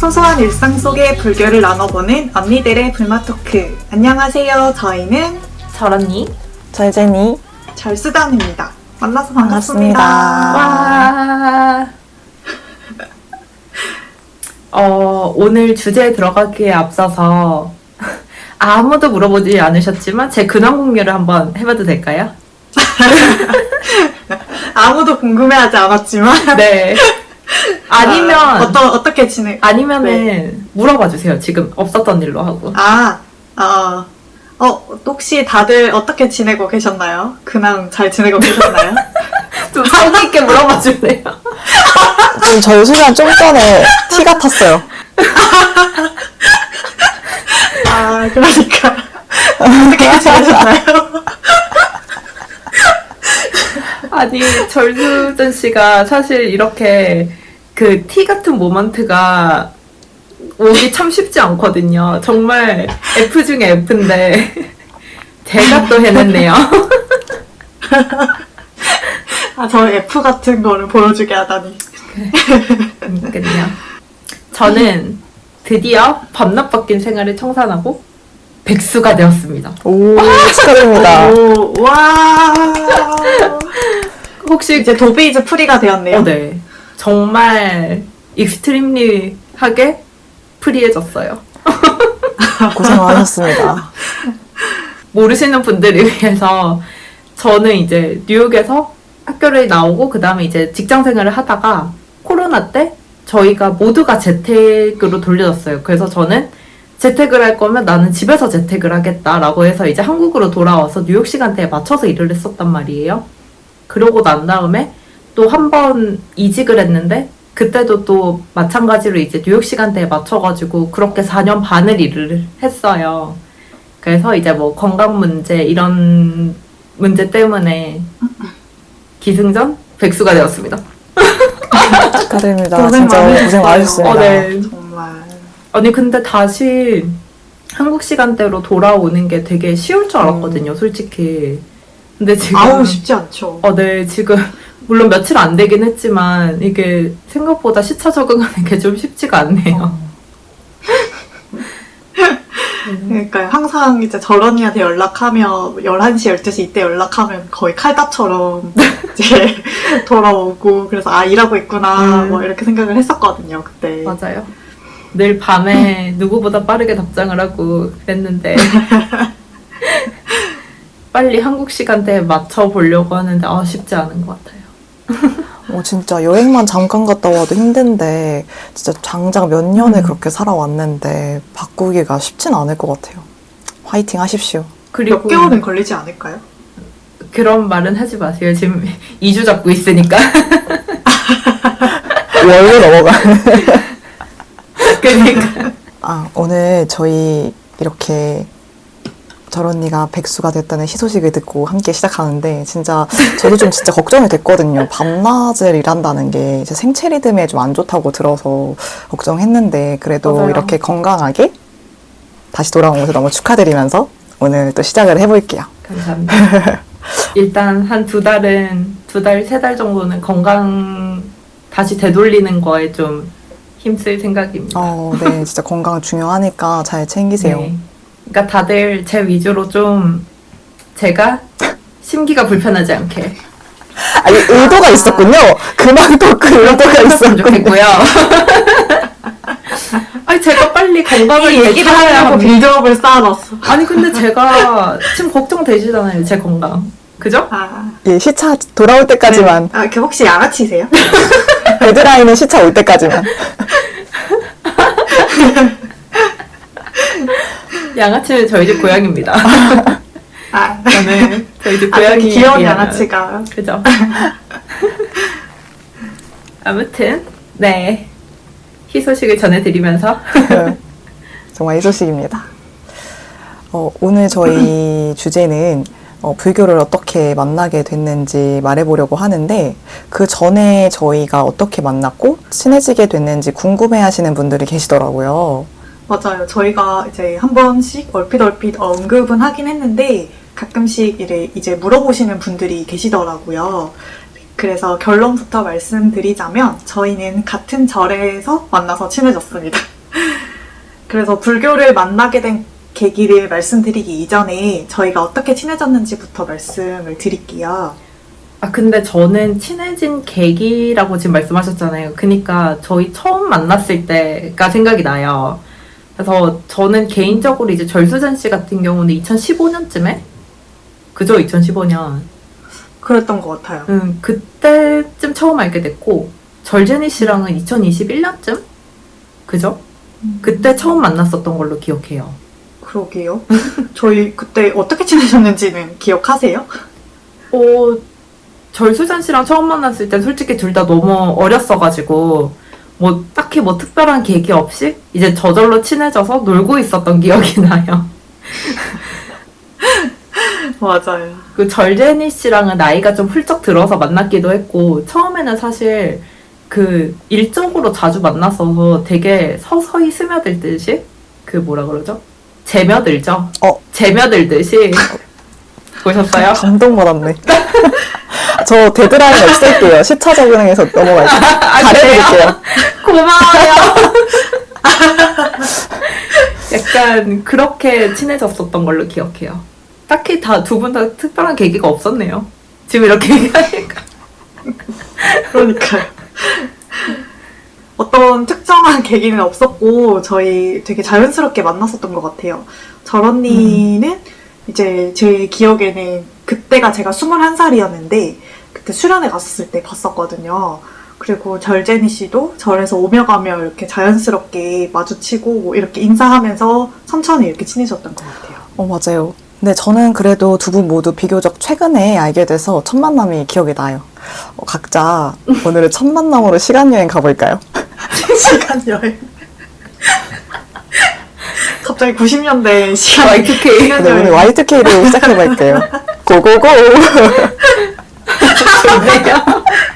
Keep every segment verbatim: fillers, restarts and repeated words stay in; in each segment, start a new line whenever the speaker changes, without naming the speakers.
소소한 일상 속의 불교를 나눠보는 언니들의 불맛 토크. 안녕하세요. 저희는
철언니,
절제니,
절수단입니다. 만나서 반갑습니다.
와. 어, 오늘 주제에 들어가기에 앞서서 아무도 물어보지 않으셨지만 제 근황 공유를 한번 해봐도 될까요?
아무도 궁금해하지 않았지만
네. 아니면
아, 어떠, 어떻게 지내?
아니면은
네.
물어봐 주세요. 지금 없었던 일로 하고.
아, 어, 어, 혹시 다들 어떻게 지내고 계셨나요? 근황 잘 지내고 계셨나요?
좀 성의 있게 물어봐 주세요.
지금 저희 소리가 좀 전에 티 같았어요.
아, 그러니까 어떻게 지내셨나요?
아니, 절수전 씨가 사실 이렇게 그 티 같은 모먼트가 오기 참 쉽지 않거든요. 정말 F 중에 F인데 제가 또 해냈네요.
아, 저 F 같은 거를 보여주게 하다니.
그러니까요. 저는 드디어 밤낮 바뀐 생활을 청산하고 백수가 되었습니다.
오, 축하드립니다.
오, 와.
혹시
이제 도베이즈 프리가 되었네요.
어, 네. 정말 익스트림리하게 프리해졌어요.
고생 많으셨습니다.
모르시는 분들을 위해서 저는 이제 뉴욕에서 학교를 나오고 그 다음에 이제 직장 생활을 하다가 코로나 때 저희가 모두가 재택으로 돌려졌어요. 그래서 저는 재택을 할 거면 나는 집에서 재택을 하겠다라고 해서 이제 한국으로 돌아와서 뉴욕 시간대에 맞춰서 일을 했었단 말이에요. 그러고 난 다음에 또 한 번 이직을 했는데 그때도 또 마찬가지로 이제 뉴욕 시간대에 맞춰가지고 그렇게 사 년 반을 일을 했어요. 그래서 이제 뭐 건강 문제 이런 문제 때문에 기승전 백수가 되었습니다.
축하드립니다.
고생
진짜
많으셨어요.
고생 많으셨습니다.
어, 네.
정말.
아니 근데 다시 한국 시간대로 돌아오는 게 되게 쉬울 줄 알았거든요, 솔직히. 근데 지금
아우, 쉽지 않죠.
어, 네, 지금 물론 며칠 안 되긴 했지만 이게 생각보다 시차 적응하는 게 좀 쉽지가 않네요.
그러니까 항상 이제 저런이한테 연락하면 열한 시, 열두 시 이때 연락하면 거의 칼답처럼 이제 돌아오고 그래서 아, 일하고 있구나
음.
뭐 이렇게 생각을 했었거든요, 그때.
맞아요. 늘 밤에 누구보다 빠르게 답장을 하고 그랬는데 빨리 한국 시간대에 맞춰 보려고 하는데 아, 쉽지 않은 것 같아요.
어, 진짜 여행만 잠깐 갔다 와도 힘든데 진짜 장장 몇 년을
음.
그렇게 살아왔는데 바꾸기가 쉽진 않을 것 같아요. 화이팅 하십시오.
그리고
몇 개월은 걸리지 않을까요?
그런 말은 하지 마세요. 지금 이 주 잡고 있으니까.
월로 넘어가.
그러니까.
아, 오늘 저희 이렇게 절언니가 백수가 됐다는 희소식을 듣고 함께 시작하는데 진짜 저도 좀 진짜 걱정이 됐거든요. 밤낮을 일한다는 게 제 생체 리듬에 좀 안 좋다고 들어서 걱정했는데 그래도
맞아요.
이렇게 건강하게 다시 돌아온 것을 너무 축하드리면서 오늘 또 시작을 해볼게요.
감사합니다. 일단 한 두 달은 두 달, 세 달 정도는 건강 다시 되돌리는 거에 좀 힘쓸 생각입니다.
어, 네, 진짜 건강 중요하니까 잘 챙기세요.
네. 그러니까 다들 제 위주로 좀 제가 심기가 불편하지 않게
아니, 의도가 있었군요. 그만도 그 의도가
했으면
있었군요.
좋겠고요. 아니 제가 빨리 건강을
이 얘기를
되찾아야
하려고
합니다.
빌드업을 쌓아놨어.
아니 근데 제가 지금 걱정되시잖아요, 제 건강. 그죠?
아,
예, 시차 돌아올 때까지만.
아, 그 혹시 양아치세요?
데드라인은 시차 올 때까지만.
양아치는 저희 집 고양입니다.
아,
저는 저희 집
아,
고양이
저기 귀여운
미안해요.
양아치가.
그죠? 아무튼 네 희소식을 전해드리면서
네, 정말 희소식입니다. 어, 오늘 저희 주제는 어, 불교를 어떻게 만나게 됐는지 말해보려고 하는데 그 전에 저희가 어떻게 만났고 친해지게 됐는지 궁금해하시는 분들이 계시더라고요.
맞아요. 저희가 이제 한 번씩 얼핏얼핏 언급은 하긴 했는데 가끔씩 이래 이제 물어보시는 분들이 계시더라고요. 그래서 결론부터 말씀드리자면 저희는 같은 절에서 만나서 친해졌습니다. 그래서 불교를 만나게 된 계기를 말씀드리기 이전에 저희가 어떻게 친해졌는지부터 말씀을 드릴게요.
아, 근데 저는 친해진 계기라고 지금 말씀하셨잖아요. 그니까 저희 처음 만났을 때가 생각이 나요. 그래서 저는 개인적으로 이제 절수전 씨 같은 경우는 이천십오 년쯤에? 그죠? 이천십오 년.
그랬던 것 같아요.
음, 그때쯤 처음 알게 됐고, 절제니 씨랑은 이천이십일 년쯤? 그죠? 그때 처음 만났었던 걸로 기억해요.
그러게요. 저희 그때 어떻게 친해졌는지는 기억하세요?
어, 절수전 씨랑 처음 만났을 때 솔직히 둘 다 너무 어렸어가지고, 뭐, 딱히 뭐 특별한 계기 없이 이제 저절로 친해져서 놀고 있었던 기억이 나요.
맞아요.
그 절제니 씨랑은 나이가 좀 훌쩍 들어서 만났기도 했고, 처음에는 사실 그 일적으로 자주 만났어서 되게 서서히 스며들듯이, 그 뭐라 그러죠? 재며들죠?
어.
재며들듯이. 보셨어요?
감동받았네. 저 데드라인 없앨게요. 시차 적응해서 넘어갈게요.
아,
잘해드릴게요.
고마워요. 약간 그렇게 친해졌었던 걸로 기억해요. 딱히 다 두 분 다 특별한 계기가 없었네요. 지금 이렇게 얘기하니까.
그러니까요. 어떤 특정한 계기는 없었고 저희 되게 자연스럽게 만났었던 것 같아요. 절 언니는 음. 이제 제 기억에는 그때가 제가 스물한 살이었는데 그때 수련회 갔었을 때 봤었거든요. 그리고 절제니 씨도 절에서 오며 가며 이렇게 자연스럽게 마주치고 뭐 이렇게 인사하면서 천천히 이렇게 친해졌던 것 같아요.
어, 맞아요. 근데 저는 그래도 두 분 모두 비교적 최근에 알게 돼서 첫 만남이 기억이 나요. 어, 각자 오늘은 첫 만남으로 시간여행 가볼까요?
시간여행. 갑자기 구십 년대 시간
와이투케이.
네, 오늘 와이투케이로 시작해볼게요. 고고고!
좋네요.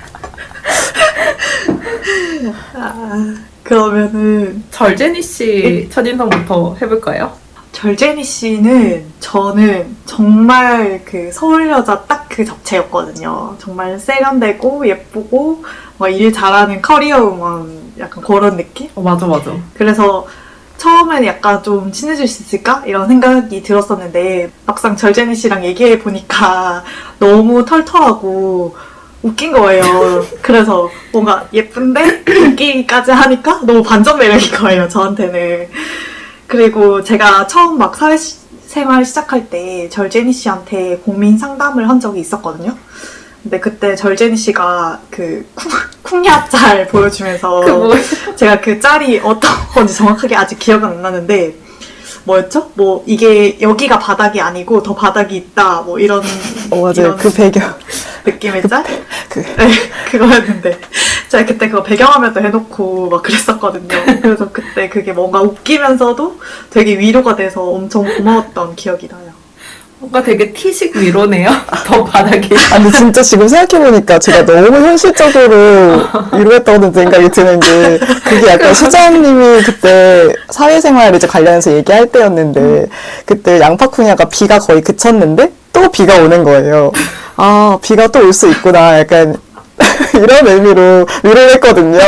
아, 그러면은
절제니 씨 첫인상부터 해볼까요?
절제니 씨는 저는 정말 그 서울 여자 딱 그 잡채였거든요. 정말 세련되고 예쁘고 막 일 잘하는 커리어 우먼 약간 그런 느낌?
어, 맞아, 맞아.
그래서 처음에는 약간 좀 친해질 수 있을까? 이런 생각이 들었었는데 막상 절제니 씨랑 얘기해 보니까 너무 털털하고 웃긴 거예요. 그래서 뭔가 예쁜데 웃기기까지 하니까 너무 반전 매력인 거예요, 저한테는. 그리고 제가 처음 막 사회생활 시작할 때 절제니 씨한테 고민 상담을 한 적이 있었거든요. 근데 그때 절제니 씨가 그 쿵, 쿵야 짤 보여주면서
그 뭐...
제가 그 짤이 어떤 건지 정확하게 아직 기억은 안 나는데 뭐였죠? 뭐 이게 여기가 바닥이 아니고 더 바닥이 있다 뭐 이런
어, 맞아요.
이런
그 배경
느낌의 짤?
그...
네, 그거였는데 제가 그때 그거 배경화면도 해놓고 막 그랬었거든요. 그래서 그때 그게 뭔가 웃기면서도 되게 위로가 돼서 엄청 고마웠던 기억이 나요.
뭔가 되게 티식 위로네요. 더 바닥이.
아니 진짜 지금 생각해보니까 제가 너무 현실적으로 위로했다는 생각이 드는 게 그게 약간 수자님이 그때 사회생활 이제 관련해서 얘기할 때였는데 그때 양파쿠냐가 비가 거의 그쳤는데 또 비가 오는 거예요. 아 비가 또 올 수 있구나 약간 이런 의미로 위로를 했거든요.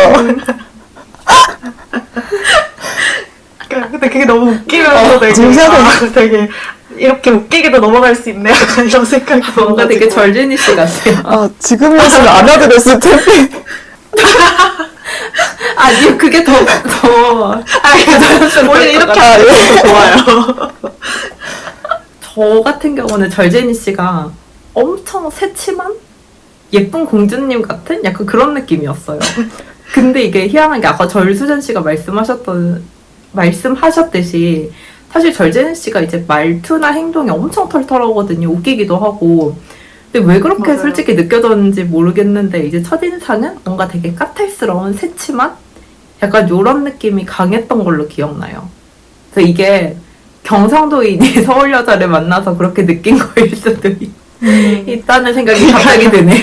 근데 그게 너무 웃기면서
어,
되게,
지금 생각해보니까
아, 되게 이렇게 웃기게도 넘어갈 수 있네 약간 이런 생각이
뭔가 되게
들어가지고.
절제니 씨 같아요.
아 지금이었으면 안 하게 됐을 텐데.
아니 그게 더 더.
아니 오히려 이렇게 하는 게 더 좋아요.
저 같은 경우는 절제니 씨가 엄청 새침한 예쁜 공주님 같은 약간 그런 느낌이었어요. 근데 이게 희한한 게 아까 절수전 씨가 말씀하셨던 말씀하셨듯이 사실 절제니 씨가 이제 말투나 행동이 엄청 털털하거든요. 웃기기도 하고. 근데 왜 그렇게
맞아요.
솔직히 느껴졌는지 모르겠는데 이제 첫인상은 뭔가 되게 까탈스러운 새침한 약간 요런 느낌이 강했던 걸로 기억나요. 그래서 이게 경상도인이 서울 여자를 만나서 그렇게 느낀 거일 수도 있,
음.
있다는 생각이 갑자기 드네요.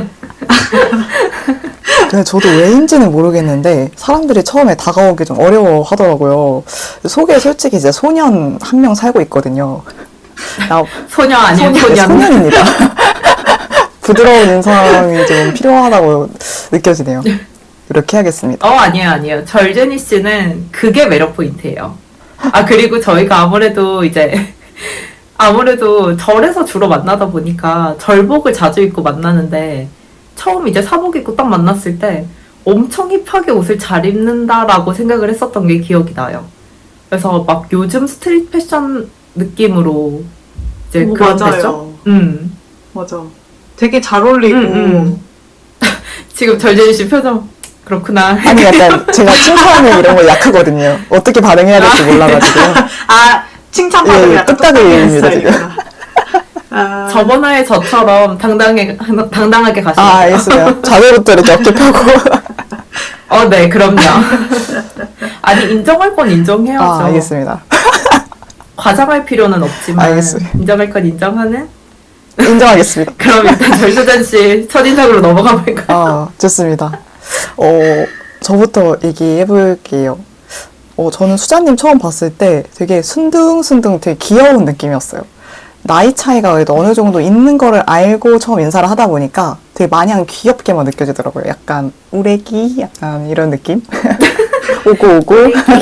네, 저도 왜인지는 모르겠는데 사람들이 처음에 다가오기 좀 어려워 하더라고요. 속에 솔직히 이제 소년 한 명 살고 있거든요. 나,
소녀 아니에요,
소년,
소년.
소년입니다. 부드러운 인상이 좀 필요하다고 느껴지네요. 이렇게 해야겠습니다.
어, 아니에요, 아니에요. 절제니 씨는 그게 매력 포인트예요. 아, 그리고 저희가 아무래도 이제, 아무래도 절에서 주로 만나다 보니까 절복을 자주 입고 만나는데, 처음 이제 사복 입고 딱 만났을 때 엄청 힙하게 옷을 잘 입는다라고 생각을 했었던 게 기억이 나요. 그래서 막 요즘 스트릿 패션 느낌으로 이제
오,
그런
맞아요.
패션? 음.
맞아. 되게 잘 어울리고.
음, 음. 지금 절제니 씨 표정, 그렇구나.
아니 약간 제가 칭찬에 이런 거 약하거든요. 어떻게 반응해야 될지 몰라가지고.
아, 칭찬받으면
예, 예,
약간
뚝딱이입니다,
똑딱이는
지금.
스타일이구나. 아,
저번화에 저처럼 당당하게, 당당하게 가시면
아,
돼요.
알겠습니다. 자세부터 이렇게 어깨 펴고.
어, 네, 그럼요. 아니, 인정할 건 인정해야죠.
아, 알겠습니다.
과장할 필요는 없지만,
알겠습니다.
인정할 건 인정하는?
인정하겠습니다.
그럼 일단 절수잔 씨 첫인상으로 넘어가 볼까요?
아, 좋습니다. 어, 저부터 얘기해 볼게요. 어, 저는 수자님 처음 봤을 때 되게 순둥순둥 되게 귀여운 느낌이었어요. 나이 차이가 그래도 어느 정도 있는 거를 알고 처음 인사를 하다 보니까 되게 마냥 귀엽게만 느껴지더라고요. 약간 우레기? 약간 이런 느낌? 오고 오고.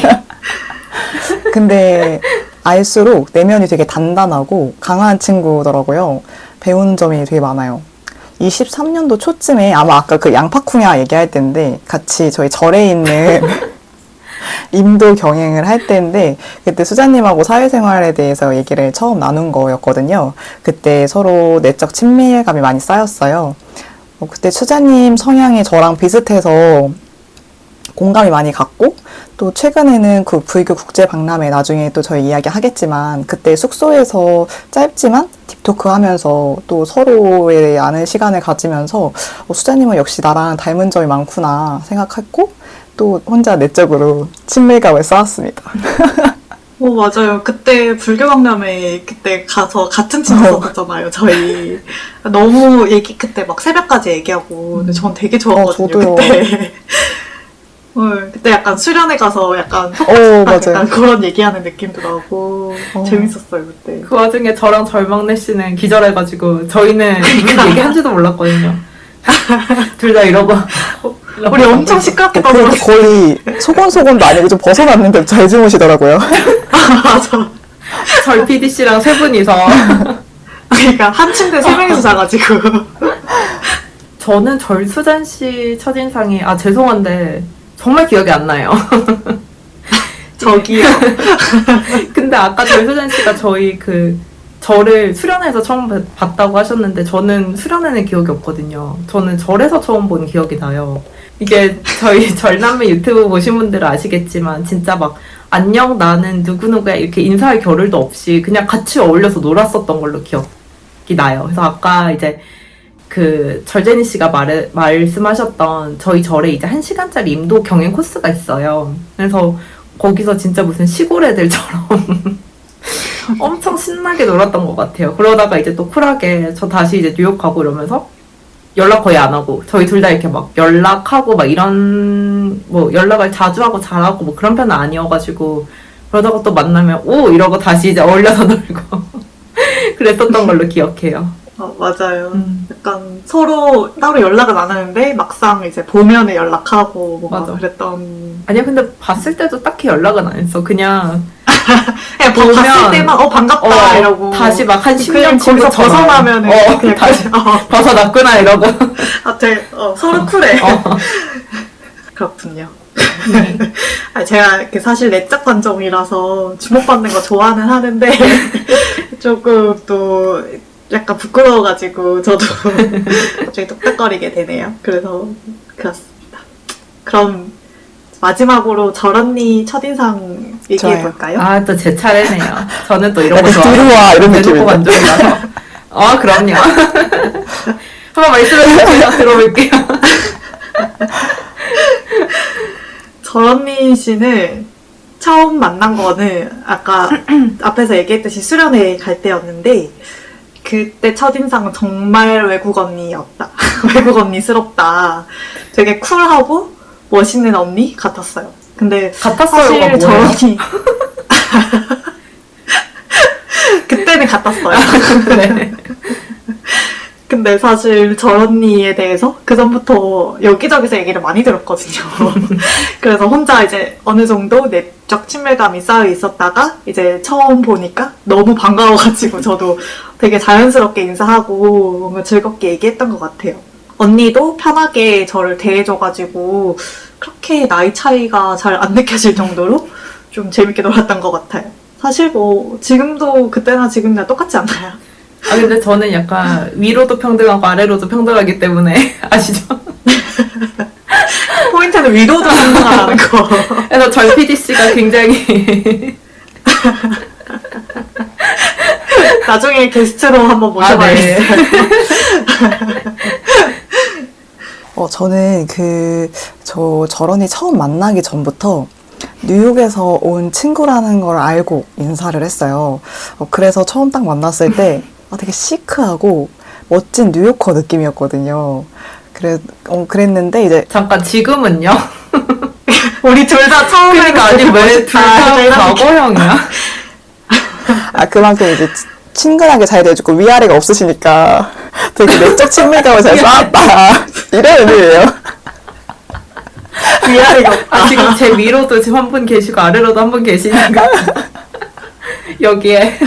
근데 알수록 내면이 되게 단단하고 강한 친구더라고요. 배우는 점이 되게 많아요. 이십삼 년도 초쯤에 아마 아까 그 양파쿵야 얘기할 때인데 같이 저희 절에 있는 임도 경행을 할 때인데 그때 수자님하고 사회생활에 대해서 얘기를 처음 나눈 거였거든요. 그때 서로 내적 친밀감이 많이 쌓였어요. 어, 그때 수자님 성향이 저랑 비슷해서 공감이 많이 갔고 또 최근에는 그 불교 국제 박람회 나중에 또 저희 이야기 하겠지만 그때 숙소에서 짧지만 딥토크 하면서 또 서로에 아는 시간을 가지면서 어, 수자님은 역시 나랑 닮은 점이 많구나 생각했고 또 혼자 내적으로 친밀감을 쌓았습니다.
오, 맞아요. 그때 불교박람회 그때 가서 같은 팀 갔었잖아요, 저희. 너무 얘기, 그때 막 새벽까지 얘기하고. 근데 전 되게 좋았거든요,
어, 저도요.
그때. 어, 그때 약간 수련회 가서 약간
어, 맞아요.
약간 그런 얘기하는 느낌도 나고
어.
재밌었어요, 그때.
그 와중에 저랑 절망래 씨는 기절해가지고 저희는 이런 얘기한지도 몰랐거든요. 둘 다 이러고
우리 엄청 시끄럽게
그래도
떠들었어.
거의 소곤소곤도 아니고 좀 벗어났는데 잘 주무시더라고요.
맞아.
절 피디 씨랑 세 분이서
그러니까 한 침대 세 명이서 자가지고.
저는 절수잔 씨 첫인상이 아 죄송한데 정말 기억이 안 나요.
저기요.
근데 아까 절수잔 씨가 저희 그 절을 수련회에서 처음 뵀- 봤다고 하셨는데 저는 수련회는 기억이 없거든요. 저는 절에서 처음 본 기억이 나요. 이게 저희 절남매 유튜브 보신 분들은 아시겠지만 진짜 막 안녕 나는 누구누구야 이렇게 인사할 겨를도 없이 그냥 같이 어울려서 놀았었던 걸로 기억이 나요. 그래서 아까 이제 그 절제니 씨가 말, 말씀하셨던 저희 절에 이제 한 시간짜리 임도 경행 코스가 있어요. 그래서 거기서 진짜 무슨 시골 애들처럼 엄청 신나게 놀았던 것 같아요. 그러다가 이제 또 쿨하게 저 다시 이제 뉴욕 가고 이러면서 연락 거의 안 하고 저희 둘 다 이렇게 막 연락하고 막 이런 뭐 연락을 자주 하고 잘하고 뭐 그런 편은 아니어가지고 그러다가 또 만나면 오 이러고 다시 이제 어울려서 놀고 그랬었던 걸로 기억해요.
어, 맞아요.
음.
약간 서로 따로 연락은 안 하는데 막상 이제 보면은 연락하고 뭔가
맞아.
그랬던.
아니야 근데 봤을 때도 딱히 연락은 안 했어. 그냥
그냥
보면-
봤을 때만 어 반갑다
어,
이러고
다시 막 한 십
그냥
년
거기서
친구처럼.
벗어나면은
어,
그냥
다시
어,
벗어났구나 이러고
아, 되게 어, 서로 쿨해.
어.
그렇군요. 아, 제가 이렇게 사실 내적 관점이라서 주목받는 거 좋아는 하는데 조금 또 약간 부끄러워가지고 저도 갑자기 똑딱거리게 되네요. 그래서 그렇습니다. 그럼 마지막으로 절 언니 첫인상 얘기해 볼까요?
아 또 제 차례네요. 저는 또 이런 거
약간
좋아해요.
들어와 이런
대놓고
느낌이다.
만족이라서. 아 그럼요. 한번 말씀해 주세요. 들어볼게요.
절 언니 씨는 처음 만난 거는 아까 앞에서 얘기했듯이 수련회 갈 때였는데 그때 첫인상은 정말 외국 언니였다. 외국 언니스럽다. 되게 쿨하고 멋있는 언니 같았어요. 근데
같았어요가
사실 절
뭐예요?
언니 그때는 같았어요.
네.
근데 근데 사실 저 언니에 대해서 그 전부터 여기저기서 얘기를 많이 들었거든요. 그래서 혼자 이제 어느 정도 내적 친밀감이 쌓여 있었다가 이제 처음 보니까 너무 반가워가지고 저도 되게 자연스럽게 인사하고 뭔가 즐겁게 얘기했던 것 같아요. 언니도 편하게 저를 대해줘가지고 그렇게 나이 차이가 잘 안 느껴질 정도로 좀 재밌게 놀았던 것 같아요. 사실 뭐 지금도 그때나 지금이나 똑같지 않나요?
아 근데 저는 약간 위로도 평등하고 아래로도 평등하기 때문에 아시죠?
포인트는 위로도 평등하다는 거.
그래서 저희 피디 씨가 굉장히
나중에 게스트로 한번
아, 네.
모셔봐야겠어요.
어, 저는 그, 저, 저런이 처음 만나기 전부터 뉴욕에서 온 친구라는 걸 알고 인사를 했어요. 어, 그래서 처음 딱 만났을 때 아, 되게 시크하고 멋진 뉴요커 느낌이었거든요. 그래, 어, 그랬는데 이제
잠깐 지금은요?
우리 둘 다 처음에
그러니까 아니 왜 둘 다 과거형이야?
아, 그만큼 이제 치- 친근하게 잘 대해주고 위아래가 없으시니까 되게 내적 친밀감을 잘 쌓았다. 이런 의미예요.
위아래가 없다.
아 지금 제 위로도 지금 한 분 계시고 아래로도 한 분 계시니까 여기에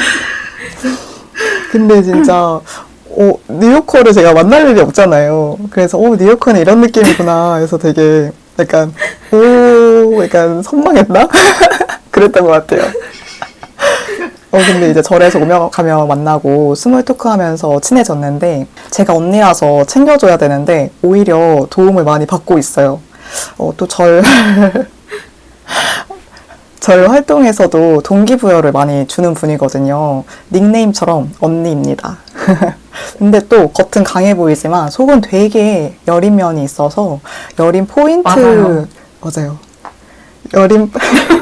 근데 진짜 어, 뉴요커를 제가 만날 일이 없잖아요. 그래서 어, 뉴요커는 이런 느낌이구나 해서 되게 약간 오 약간 선망했나? 그랬던 것 같아요. 어 근데 이제 절에서 오며 가며 만나고 스몰 토크 하면서 친해졌는데 제가 언니라서 챙겨줘야 되는데 오히려 도움을 많이 받고 있어요. 어, 또 절, 절 활동에서도 동기부여를 많이 주는 분이거든요. 닉네임처럼 언니입니다. 근데 또 겉은 강해 보이지만 속은 되게 여린 면이 있어서 여린 포인트.
맞아요.
맞아요. 여린,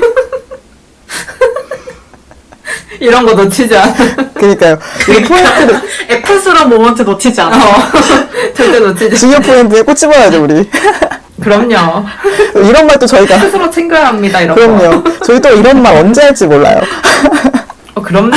이런 거 놓치지 않아.
그니까요. 이 포인트를,
F스러운 모먼트 놓치지 않아.
어, 절대 놓치지.
중요 포인트에 꼬집어야죠, 우리.
그럼요.
이런 말도 저희가.
스스로 챙겨야 합니다. 이런 거.
그럼요. 저희 또 이런 말 언제 할지 몰라요.
어, 그럼요.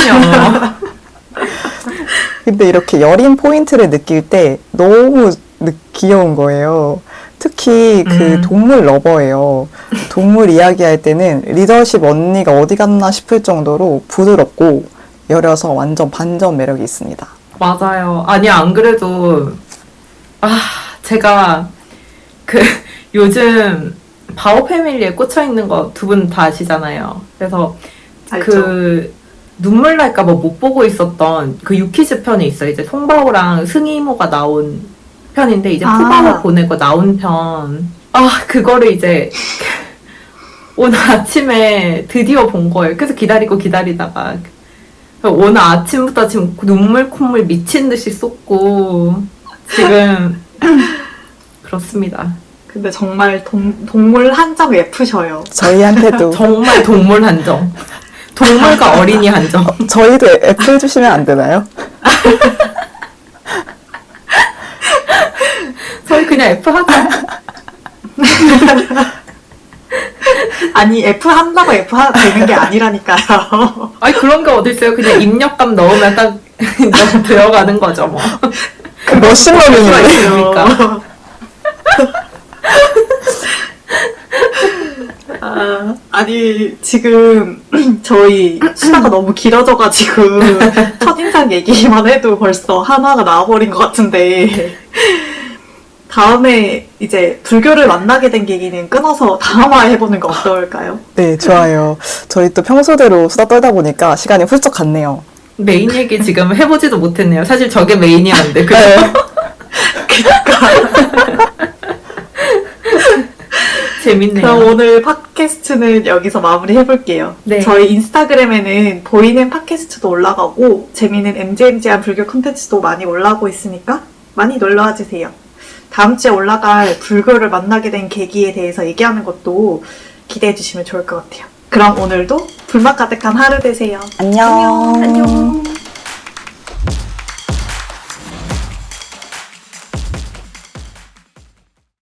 근데 이렇게 여린 포인트를 느낄 때 너무 느- 귀여운 거예요. 특히 그
음.
동물 러버예요. 동물 이야기할 때는 리더십 언니가 어디 갔나 싶을 정도로 부드럽고 여려서 완전 반전 매력이 있습니다.
맞아요. 아니 안 그래도 아 제가 그 요즘 바오 패밀리에 꽂혀 있는 거 두 분 다 아시잖아요. 그래서
알죠.
그 눈물 날까 봐 못 보고 있었던 그 유키즈 편이 있어요. 이제 송바오랑 승이모가 나온 편인데 이제
아.
푸바오 보내고 나온 편. 아 그거를 이제 오늘 아침에 드디어 본 거예요. 그래서 기다리고 기다리다가 오늘 아침부터 지금 눈물 콧물 미친 듯이 쏟고 지금 그렇습니다.
근데 정말 동, 동물 한정 예쁘셔요.
저희한테도
정말 동물 한정. 동물과 어린이 한정.
저희도 애플 주시면 안 되나요?
저희 그냥 F 하자.
아니 F 한다고 F 하, 되는 게 아니라니까요.
아니 그런 게 어딨어요. 그냥 입력감 넣으면 딱 들어가는 거죠 뭐.
그 머신러닝이에요.
있습니까?
아, 아니 지금 저희 수다가 너무 길어져가지고 첫인상 얘기만 해도 벌써 하나가 나와버린 것 같은데 다음에 이제 불교를 만나게 된 계기는 끊어서 다음화 해보는 거 어떨까요?
네, 좋아요. 저희 또 평소대로 수다 떨다 보니까 시간이 훌쩍 갔네요.
메인 얘기 지금 해보지도 못했네요. 사실 저게 메인이었는데 그죠? 재밌네요.
그럼 오늘 팟캐스트는 여기서 마무리 해볼게요.
네.
저희 인스타그램에는 보이는 팟캐스트도 올라가고 재미있는 엠지엠지한 불교 콘텐츠도 많이 올라오고 있으니까 많이 놀러와 주세요. 다음 주에 올라갈 불교를 만나게 된 계기에 대해서 얘기하는 것도 기대해 주시면 좋을 것 같아요. 그럼 오늘도 불맛 가득한 하루 되세요.
안녕.
안녕.